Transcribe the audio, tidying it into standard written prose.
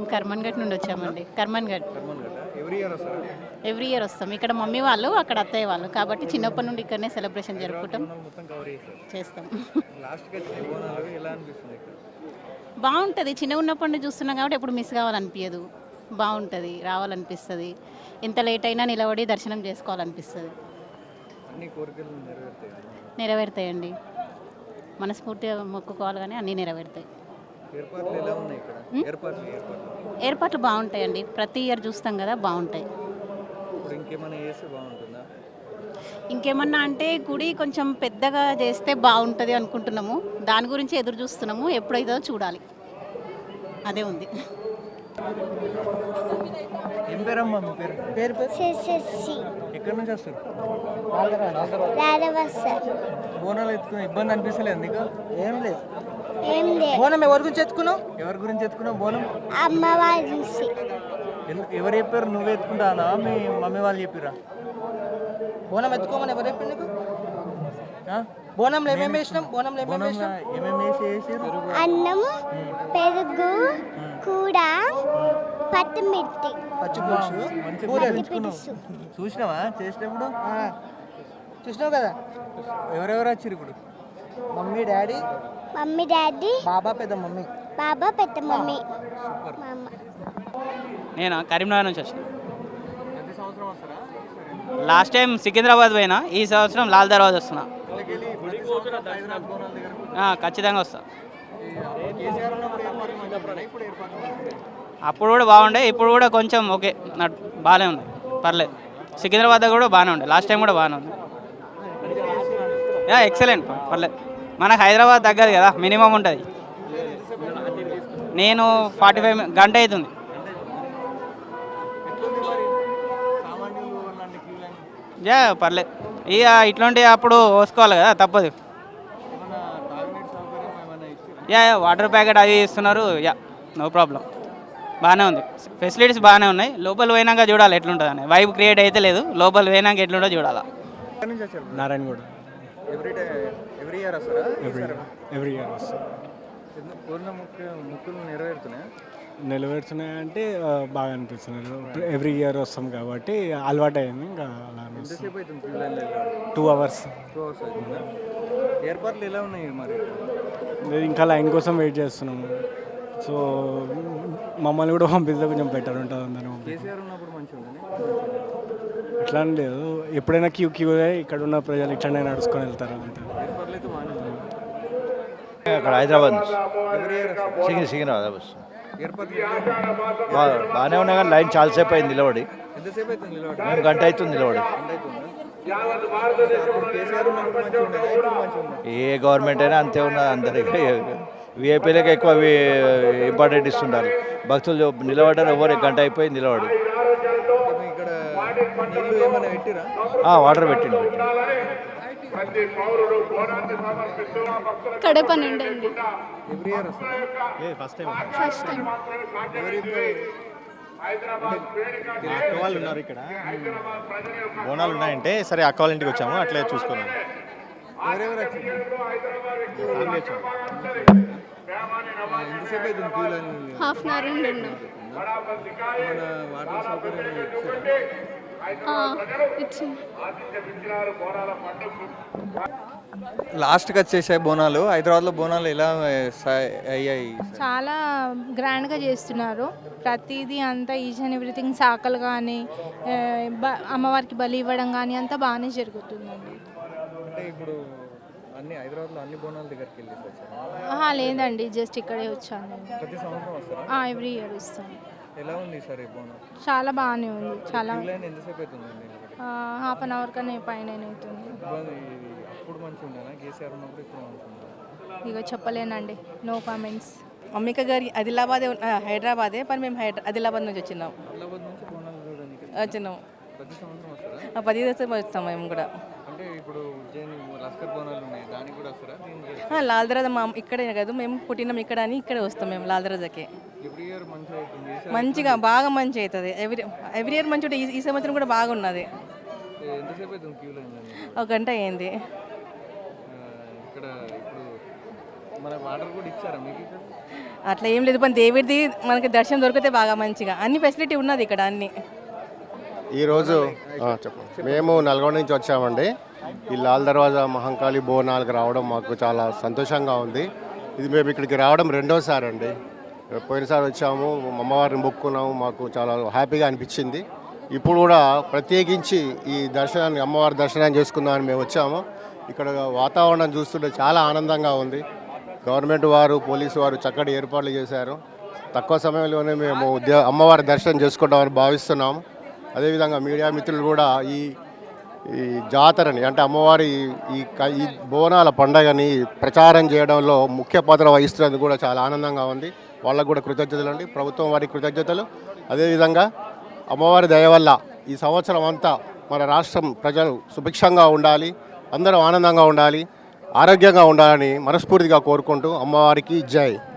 మేము కర్మన్ఘట్ నుండి వచ్చామండి. కర్మన్ఘట్ ఎవ్రీ ఇయర్ వస్తారా? ఎవ్రీ ఇయర్ వస్తాం. ఇక్కడ మమ్మీ వాళ్ళు, అక్కడ అత్తయ్య వాళ్ళు, కాబట్టి చిన్నప్పటి నుండి ఇక్కడనే సెలబ్రేషన్ జరుపుకుంటాం బోనాలు మొత్తం కవర్ చేస్తారు. చేస్తాం. లాస్ట్కి వచ్చిన బోనాలు ఎలా అనిపిస్తుంది ఇక్కడ? బాగుంటుంది. చిన్నగా ఉన్నప్పటి నుండి చూస్తున్నాం కాబట్టి ఎప్పుడు మిస్ కావాలనిపించదు. బాగుంటుంది, రావాలనిపిస్తుంది. ఎంత లేట్ అయినా నిలబడి దర్శనం చేసుకోవాలనిపిస్తుంది. అన్ని కోరికలు నెరవేరుతాయి. నెరవేరుతాయండి. మనస్ఫూర్తిగా మొక్కుకోవాలి కానీ అన్నీ నెరవేరుతాయి. ఏర్పాట్లు ఎలా ఉన్నాయి ఇక్కడ? ఏర్పాట్లు బాగుంటాయండి. ప్రతి ఇయర్ చూస్తాం కదా, బాగుంటాయి. ఇప్పుడు ఇంకేమైనా చేస్తే బాగుంటుందా? ఇంకేమన్నా అంటే గుడి కొంచెం పెద్దగా చేస్తే బాగుంటుంది అనుకుంటున్నాము. దాని గురించి ఎదురు చూస్తున్నాము. ఎప్పుడైతుందో చూడాలి. అదే ఉంది. ఏం పేరమ్మా మీ పేరు? ఎక్కడి నుంచి వస్తారు? బోనాలు ఎత్తుకున్నా ఇబ్బంది అనిపిస్తలేదు నీకు? ఏం లేదు. బోనం ఎవరి గురించి ఎత్తుకున్నావు? ఎవరి గురించి ఎత్తుకున్నావు బోనం? అమ్మవారి చూసి. ఎవరు చెప్పారు? నువ్వు ఎత్తుకుంటానా మీ మమ్మీ వాళ్ళు చెప్పిరా? బోనం ఎత్తుకోమని ఎవరు చెప్పారు నీకు? బోనంలో ఏమేమి వేసినాం? ఏమేమి వేసారు? అన్నం, పెరుగు, కూర, పచ్చిమిర్చి, చూసినావా చేసినప్పుడు? చూసినావు కదా. ఎవరెవరు వచ్చారు ఇప్పుడు? మమ్మీ డాడీ, బాబా పెద్ద మమ్మీ. మా అమ్మ. నేను కరీంనగర్ నుంచి వచ్చాను. ప్రతి సంవత్సరం వస్తారా? లాస్ట్ టైం సికింద్రాబాద్ పోయినా, ఈ సంవత్సరం లాల్ దర్వాజా వస్తున్నా. ఖచ్చితంగా వస్తా. అప్పుడు కూడా బాగుండే, ఇప్పుడు కూడా కొంచెం ఓకే, బాగానే ఉంది, పర్లేదు. సికింద్రాబాద్ కూడా బాగానే ఉండే, లాస్ట్ టైం కూడా బాగానే ఉంది. ఎక్సలెంట్, పర్లేదు. మనకు హైదరాబాద్ తగ్గదు కదా, మినిమం ఉంటుంది. నేను 45 గంట అవుతుంది. పర్లేదు. ఇక ఇట్లాంటి అప్పుడు పోసుకోవాలి కదా, తప్పదు. వాటర్ ప్యాకెట్ అవి ఇస్తున్నారు. నో ప్రాబ్లం, బాగానే ఉంది. ఫెసిలిటీస్ బాగానే ఉన్నాయి. లోపల పోయినాక చూడాలి ఎట్లుంటుంది అని. వైబ్ క్రియేట్ అయితే లేదు, లోపల పోయినాక ఎట్లుంటుందో చూడాలా. నారాయణగూడ. ఎవ్రీ ఇయర్ వస్తారా? ఎవ్రీ ఇయర్ వస్తాం. ముక్కులు నెరవేరుతున్నాయంటే బాగా అనిపిస్తున్నారు. ఎవ్రీ ఇయర్ వస్తాం కాబట్టి అలవాటు అయింది. ఇంకా అలా 2 hours. ఏర్పాట్లు ఎలా ఉన్నాయి మరి? ఇంకా లైన్ కోసం వెయిట్ చేస్తున్నాము. సో మమ్మల్ని కూడా పంపిస్తే కొంచెం బెటర్ ఉంటుంది. అందరూ కేసీఆర్ ఉన్నప్పుడు మంచిగా ఉంటుంది. అట్లా అని లేదు, ఎప్పుడైనా క్యూ ఇక్కడ ఉన్న ప్రజలు ఇట్లనే నడుచుకొని వెళ్తారు అంతే. ఏర్పాట్లు అయితే బాగానే ఉన్నాయి. అక్కడ హైదరాబాద్ నుంచి సికింద్రాబాద్ బస్ బాగానే ఉన్నాయి, కానీ లైన్ చాలాసేపు అయింది నిలబడి. ఎంతసేపు అవుతుంది నిలబడి? మేము గంట అవుతుంది నిలబడి. ఏ గవర్నమెంట్ అయినా అంతే ఉన్నది. అందరికీ విఐపీలకు ఎక్కువ ఇంపార్టెంట్ ఇస్తుంటారు. భక్తులు నిలబడ్డారు, ఎవరు గంట అయిపోయింది నిలబడి. వాటర్ పెట్టిండు. కడప నుండి అండి. ఫస్ట్ టైం అక్క వాళ్ళు ఉన్నారు ఇక్కడ, బోనాలు ఉన్నాయంటే సరే అక్క వాళ్ళ ఇంటికి వచ్చాము, అట్లే చూసుకున్నాము. హాఫ్ అన్ అవర్ ఉండి ఉన్నాం. ఇచ్చింది. లాస్ట్కి వచ్చేసాయి బోనాలు. హైదరాబాద్లో బోనాలు ఎలా అయ్యాయి? చాలా గ్రాండ్గా చేస్తున్నారు. ప్రతిదీ అంతా ఈచ్ అండ్ ఎవ్రీథింగ్, సాకలు కానీ అమ్మవారికి బలి ఇవ్వడం కానీ అంతా బాగానే జరుగుతుందండి. అంటే ఇప్పుడు అన్ని హైదరాబాద్లో అన్ని బోనాల దగ్గరికి వెళ్ళి లేదండి, జస్ట్ ఇక్కడే వచ్చాను. ప్రతి సంవత్సరం వస్తారా? ఎవ్రీ ఇయర్ వస్తాను. ఎలా ఉంది సార్ ఈ బోనం? చాలా బాగానే ఉంది. చాలా ఎంతసేపు అవుతుందండి? హాఫ్ అన్ అవర్ కన్నా పైన అవుతుంది. అప్పుడు మంచిగా ఉండేనా? కేసీఆర్ ఉన్నప్పుడు ఇప్పుడు మంచిగా? ఇక చెప్పలేనండి, నో కామెంట్స్. అమ్మిక గారి ఆదిలాబాదే, హైదరాబాదే, మరి మేము ఆదిలాబాద్ నుంచి వచ్చినాం. ఆదిలాబాద్ నుంచి బోనాలు చూడడానికి వచ్చినాం. ప్రతి సంవత్సరం వస్తారా? 10 ദിവസം వస్తాం మేము కూడా. అంటే ఇప్పుడు ఉజ్జయిని లస్కర్ బోనాలు ఉన్నాయి, దానికి కూడా వస్తారా? లాల్ దర్వాజా ఇక్కడే కాదు, మేము పుట్టినాం ఇక్కడ అని ఇక్కడే వస్తాం మేము లాల్ దర్వాజాకి. ఎవ్రీ ఇయర్ మంచిగా అవుతుంది. మంచిగా బాగా మంచి అవుతుంది. ఎవ్రీ ఇయర్ మంచిగా ఉంటుంది. ఈ సంవత్సరం కూడా బాగున్నది. ఎంతసేపు అవుతుంది క్యూ లైన్? 1 గంట అయింది. ఇక్కడ ఇప్పుడు మన వాటర్ కూడా ఇచ్చారా మీకు? అట్లా ఏం లేదు, पण దేవుడిది మనకి దర్శనం దొరికితే బాగా మంచిగా అన్ని ఫెసిలిటీ ఉన్నది ఇక్కడ అన్ని. ఈరోజు చెప్పండి, మేము నల్గొండ నుంచి వచ్చామండి. ఈ లాల్ దర్వాజా మహంకాళి బోనాలకు రావడం మాకు చాలా సంతోషంగా ఉంది. ఇది మేము ఇక్కడికి రావడం రెండోసారి అండి. పోయినసారి వచ్చాము, అమ్మవారిని మొక్కున్నాము, మాకు చాలా హ్యాపీగా అనిపించింది. ఇప్పుడు కూడా ప్రత్యేకించి ఈ దర్శనాన్ని, అమ్మవారి దర్శనాన్ని చేసుకుందామని మేము వచ్చాము. ఇక్కడ వాతావరణం చూస్తుంటే చాలా ఆనందంగా ఉంది. గవర్నమెంట్ వారు, పోలీసు వారు చక్కటి ఏర్పాట్లు చేశారు. తక్కువ సమయంలోనే మేము అమ్మవారి దర్శనం చేసుకుంటామని భావిస్తున్నాము. అదేవిధంగా మీడియా మిత్రులు కూడా ఈ జాతరని, అంటే అమ్మవారి ఈ బోనాల పండగని ప్రచారం చేయడంలో ముఖ్య పాత్ర వహిస్తున్నందుకు కూడా చాలా ఆనందంగా ఉంది. వాళ్ళకు కూడా కృతజ్ఞతలు అండి, ప్రభుత్వం వారికి కృతజ్ఞతలు. అదేవిధంగా అమ్మవారి దయ వల్ల ఈ సంవత్సరం అంతా మన రాష్ట్రం ప్రజలు సుభిక్షంగా ఉండాలి, అందరూ ఆనందంగా ఉండాలి, ఆరోగ్యంగా ఉండాలని మనస్ఫూర్తిగా కోరుకుంటూ అమ్మవారికి జై.